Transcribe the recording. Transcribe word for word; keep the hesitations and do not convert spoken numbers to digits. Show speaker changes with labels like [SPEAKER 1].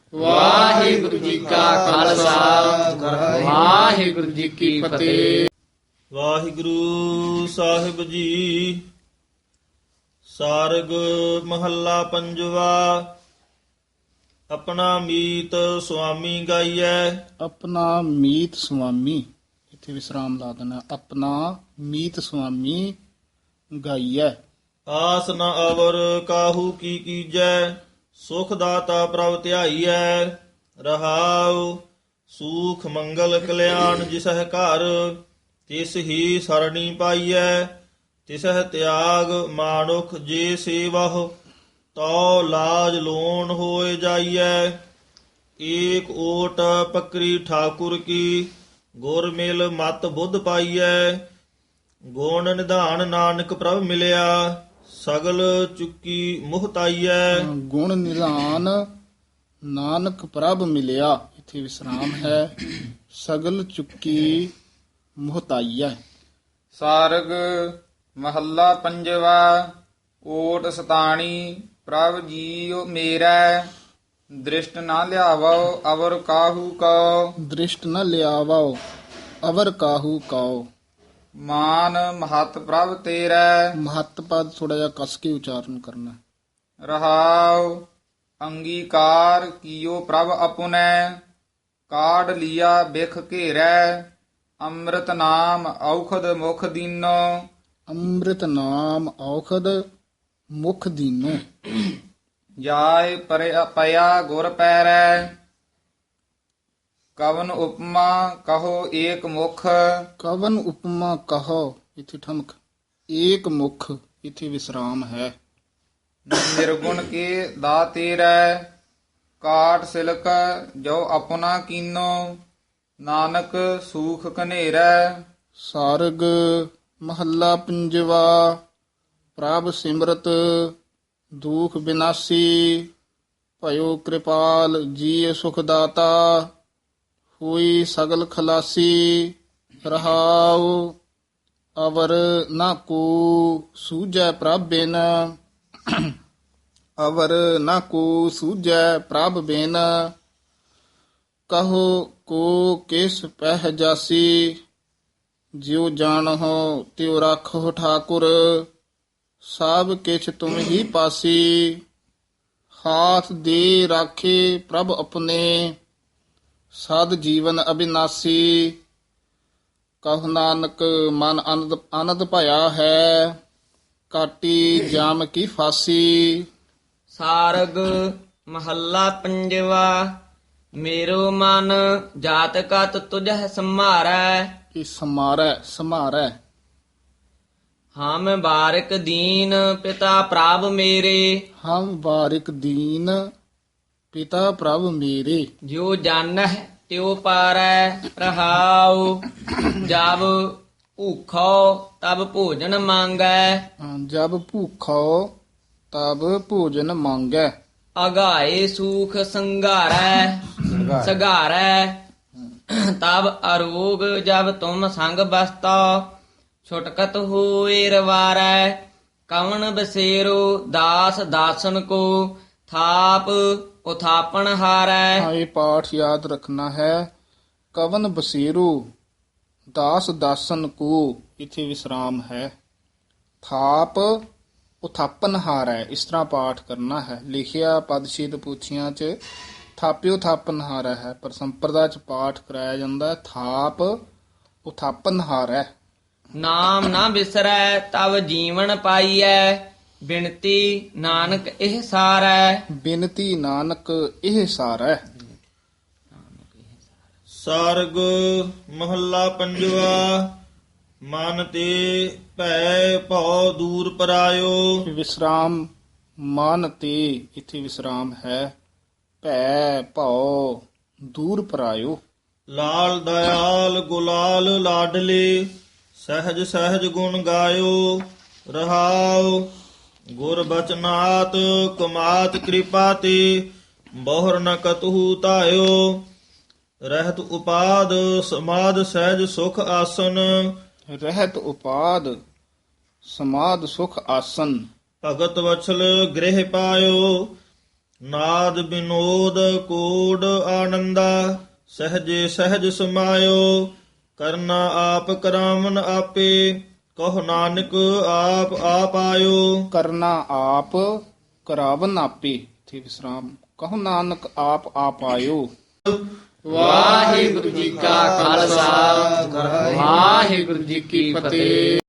[SPEAKER 1] ਵਾਹਿਗੁਰੂ ਜੀ ਕਾ ਖਾਲਸਾ ਵਾਹਿਗੁਰੂ ਜੀ ਕੀ ਫਤਿਹ।
[SPEAKER 2] ਵਾਹਿਗੁਰੂ ਸਾਹਿਬ ਜੀ। ਸਾਰਗ ਮਹੱਲਾ ਪੰਜਵਾ। ਆਪਣਾ ਮੀਤ ਸੁਆਮੀ ਗਾਈਐ।
[SPEAKER 3] ਆਪਣਾ ਮੀਤ ਸੁਆਮੀ, ਇੱਥੇ ਵਿਸਰਾਮ ਲਾ ਦੇਣਾ। ਆਪਣਾ ਮੀਤ ਸੁਆਮੀ ਗਾਈਐ।
[SPEAKER 2] ਆਸ ਨ ਅਵਰ ਕਾਹੂ ਕੀ ਕੀਜੈ। ਸੁਖ ਦਾਤਾ ਪ੍ਰਭ ਧਿਆਈਐ। ਰਹਾਉ ਸੂਖ ਮੰਗਲ ਕਲਿਆਣ ਜਿਸਹਿ ਘਰ। ਤਿਸ ਹੀ ਸਰਣੀ ਪਾਈਐ। ਤਿਸਹਿ ਤਿਆਗ ਮਾਨੁਖ ਜੇ ਸੇਵਹੁ। ਤਉ ਲਾਜ ਲੋਣ ਹੋਏ ਜਾਈਐ। ਏਕ ਓਟ ਪਕਰੀ ਠਾਕੁਰ ਕੀ। ਗੁਰ ਮਿਲ ਮਤ ਬੁੱਧ ਪਾਈਐ। ਗੁਣ ਨਿਧਾਨ ਨਾਨਕ ਪ੍ਰਭ ਮਿਲਿਆ। ਸਗਲ ਚੁੱਕੀ ਮੁਹਤਾਈਐ।
[SPEAKER 3] ਗੁਣ ਨਿਧਾਨ ਨਾਨਕ ਪ੍ਰਭ ਮਿਲਿਆ, ਇੱਥੇ ਵਿਸਰਾਮ ਹੈ। ਸਗਲ ਚੁੱਕੀ ਮੁਹਤਾਈਐ।
[SPEAKER 1] ਸਾਰਗ ਮਹੱਲਾ ਪੰਜਵਾ। ਓਟ ਸਤਾਣੀ ਪ੍ਰਭ ਜੀਉ ਮੇਰਾ। ਦ੍ਰਿਸ਼ਟ ਨਾ ਲਿਆਵੋ ਅਵਰ ਕਾਹੂ ਕਉ।
[SPEAKER 3] ਦ੍ਰਿਸ਼ਟ ਨ ਲਿਆਵੋ ਅਵਰ ਕਾਹੂ ਕਉ।
[SPEAKER 1] ਮਾਨ ਮਹਤ ਪ੍ਰਭ ਤੇਰਾ।
[SPEAKER 3] ਮਹੱਤ ਪਦ ਥੋੜਾ ਜਿਹਾ ਕਸ ਕੇ ਉਚਾਰਨ ਕਰਨਾ।
[SPEAKER 1] ਰਹਾਉ ਅੰਗੀਕਾਰ ਕੀਓ ਪ੍ਰਭ ਆਪੁਨੈ। ਕਾਢ ਲਿਆ ਬਿਖ ਘੇਰੈ। ਅੰਮ੍ਰਿਤ ਨਾਮ ਔਖਦ ਮੁਖ ਦੀਨੋ।
[SPEAKER 3] ਅੰਮ੍ਰਿਤ ਨਾਮ ਔਖਦ ਮੁਖ ਦੀਨੋ।
[SPEAKER 1] ਜਾਇ ਪਰਿ- ਪਿਆ ਗੁਰ ਪੈਰੈ। ਕਵਨ ਉਪਮਾ ਕਹੋ ਏਕ ਮੁਖ।
[SPEAKER 3] ਕਵਨ ਉਪਮਾ ਕਹੋ, ਇੱਥੇ ਠਮਕ। ਏਕ ਮੁਖ, ਇੱਥੇ ਵਿਸਰਾਮ ਹੈ।
[SPEAKER 1] ਨਿਰਗੁਣ ਕੇ ਦਾ ਤੇਰੈ। ਕਾਟ ਸਿਲਕ ਜੋ ਆਪਣਾ ਕੀਨੋ। ਨਾਨਕ ਸੂਖ ਘਨੇਰੈ।
[SPEAKER 3] ਸਾਰਗ ਮਹੱਲਾ ਪੰਜਵਾ। ਪ੍ਰਭ ਸਿਮਰਤ ਦੁਖ ਬਿਨਾਸੀ। ਭਇਓ ਕਿਰਪਾਲ ਜੀ ਸੁਖ ਦਾਤਾ। ਹੋਈ ਸਗਲ ਖਲਾਸੀ। ਰਹਾਉ ਅਵਰ ਨਾ ਕੋ ਸੂਝੈ ਪ੍ਰਭ ਬਿਨ। ਅਵਰ ਨਾ ਕੋ ਸੂਝੈ ਪ੍ਰਭ ਬਿਨ। ਕਹੋ ਕੋ ਕਿਸ ਪਹਿ ਜਾਸੀ। ਜਿਉ ਜਾਣਹੁ ਤਿਉ ਰਾਖੋ ਠਾਕੁਰ। ਸਭ ਕਿਛ ਤੁਮ ਹੀ ਪਾਸੀ। ਹਾਥ ਦੇ ਰਾਖੇ ਪ੍ਰਭ ਆਪਣੇ। ਸਦ ਜੀਵਨ ਅਬਿਨਾਸੀ। ਕਹੁ ਨਾਨਕ ਮਨ ਅਨੰਦ ਆਨੰਦ ਭਇਆ ਹੈ। ਕਾਟੀ ਜਾਮ ਕੀ ਫਾਸੀ।
[SPEAKER 4] ਸਾਰਗ ਮਹੱਲਾ ਪੰਜਵਾ। ਮੇਰੋ ਮਨ ਜਾਤ ਕਤ ਤੁਝਹਿ ਸੰਮਾਰੈ।
[SPEAKER 3] ਇਹ ਸਮਾਰੈ ਸਮਾਰੈ।
[SPEAKER 4] ਹਮ ਬਾਰਿਕ ਦੀਨ ਪਿਤਾ ਪ੍ਰਭ ਮੇਰੇ।
[SPEAKER 3] ਹਮ ਬਾਰਿਕ ਦੀਨ ਪਿਤਾ ਪ੍ਰਭ ਮੇਰੇ।
[SPEAKER 4] ਜੋ ਜਾਣਹਿ ਤਿਉ ਪਾਰੈ। ਰਹਾਉ ਜਬ ਭੂਖੋ ਤਬ ਭੋਜਨ ਮੰਗੈ।
[SPEAKER 3] ਹਾਂ, ਜਬ ਭੂਖੋ ਤਬ ਭੋਜਨ ਮੰਗੈ।
[SPEAKER 4] ਅਗਾਏ ਸੂਖ ਸੰਘਾਰੈ। ਸਗਾਰੈ ਤਬ ਅਰੋਗ ਜਬ ਤੁਮ ਸੰਗ ਬਸਤੋ। ਛੁਟਕਤ ਹੋਏ ਰਵਾਰੈ। ਕਵਣ ਬਸੇਰੋ ਦਾਸ ਦਾਸਨ ਕੋ। ਥਾਪ ਉਥਾਪਣ ਹਾਰੈ।
[SPEAKER 3] ਹਾਂ, ਇਹ ਪਾਠ ਯਾਦ ਰੱਖਣਾ ਹੈ। ਕਵਨ ਬਸੇਰੂ ਦਾਸ ਦਾਸਨ ਕੋ, ਇੱਥੇ ਵਿਸਰਾਮ ਹੈ। ਥਾਪ ਉਥਾਪਨ ਹਾਰੈ, ਇਸ ਤਰ੍ਹਾਂ ਪਾਠ ਕਰਨਾ ਹੈ। ਲਿਖਿਆ ਪਦਛੇਦ ਪੂਛੀਆਂ ਚ ਥਾਪਿਓ ਥਾਪਨ ਹਾਰੈ ਹੈ, ਪਰ ਸੰਪਰਦਾ ਚ ਪਾਠ ਕਰਾਇਆ ਜਾਂਦਾ ਥਾਪ ਉਥਾਪਨ ਹਾਰੈ।
[SPEAKER 4] ਨਾਮ ਨਾ ਬਿਸਰੈ ਤਵ ਜੀਵਨ ਪਾਈਐ। ਬਿਨਤੀ ਨਾਨਕ ਇਹ ਸਾਰੈ।
[SPEAKER 3] ਬਿਨਤੀ ਨਾਨਕ ਇਹ ਸਾਰੈ।
[SPEAKER 2] ਸਾਰਗ ਮਹੱਲਾ ਪੰਜਵਾ। ਮਨ ਤੇ ਭੈ ਭਉ ਦੂਰ ਪਰਾਇਓ।
[SPEAKER 3] ਵਿਸਰਾਮ ਮਨ ਤੇ, ਇੱਥੇ ਵਿਸਰਾਮ ਹੈ। ਭੈ ਭਉ ਦੂਰ ਪਰਾਇਓ।
[SPEAKER 2] ਲਾਲ ਦਇਆਲ ਗੁਲਾਲ ਲਾਡਲੇ। ਸਹਿਜ ਸਹਿਜ ਗੁਣ ਗਾਇਓ। ਰਹਾਉ ਗੁਰ ਬਚਨਾਤ ਕਮਾਤ ਕਿਰਪਾ ਤੇ। ਬਹੁਰ ਨ ਕਤਹੂ ਧਾਇਓ। ਰਹਿਤ ਉਪਾਦ ਸਮਾਦ ਸਹਿਜ ਸੁਖ ਆਸਨ।
[SPEAKER 3] ਰਹਿਤ ਉਪਾਦ ਸਮਾਦ ਸੁਖ ਆਸਨ।
[SPEAKER 2] ਭਗਤ ਵਛਲ ਗ੍ਰਹਿ ਪਾਇਓ। ਨਾਦ ਬਿਨੋਦ ਕੋਡ ਆਨੰਦਾ ਸਹਜੇ ਸਹਜ ਸਮਾਇਓ ਕਰਨਾ ਆਪ ਕਰਾਵਨ ਆਪੇ ਕਹੋ ਨਾਨਕ ਆਪ ਆਪ ਆਇਓ
[SPEAKER 3] ਕਰਨਾ ਆਪ ਕਰਾਵਨ ਆਪੇ ਇਥੇ ਵਿਸਰਾਮ ਕਹੋ ਨਾਨਕ ਆਪ ਆਪ ਆਇਓ।
[SPEAKER 1] ਵਾਹਿਗੁਰੂ ਜੀ ਕਾ ਖਾਲਸਾ ਵਾਹਿਗੁਰੂ ਜੀ ਕੀ ਫਤਿਹ।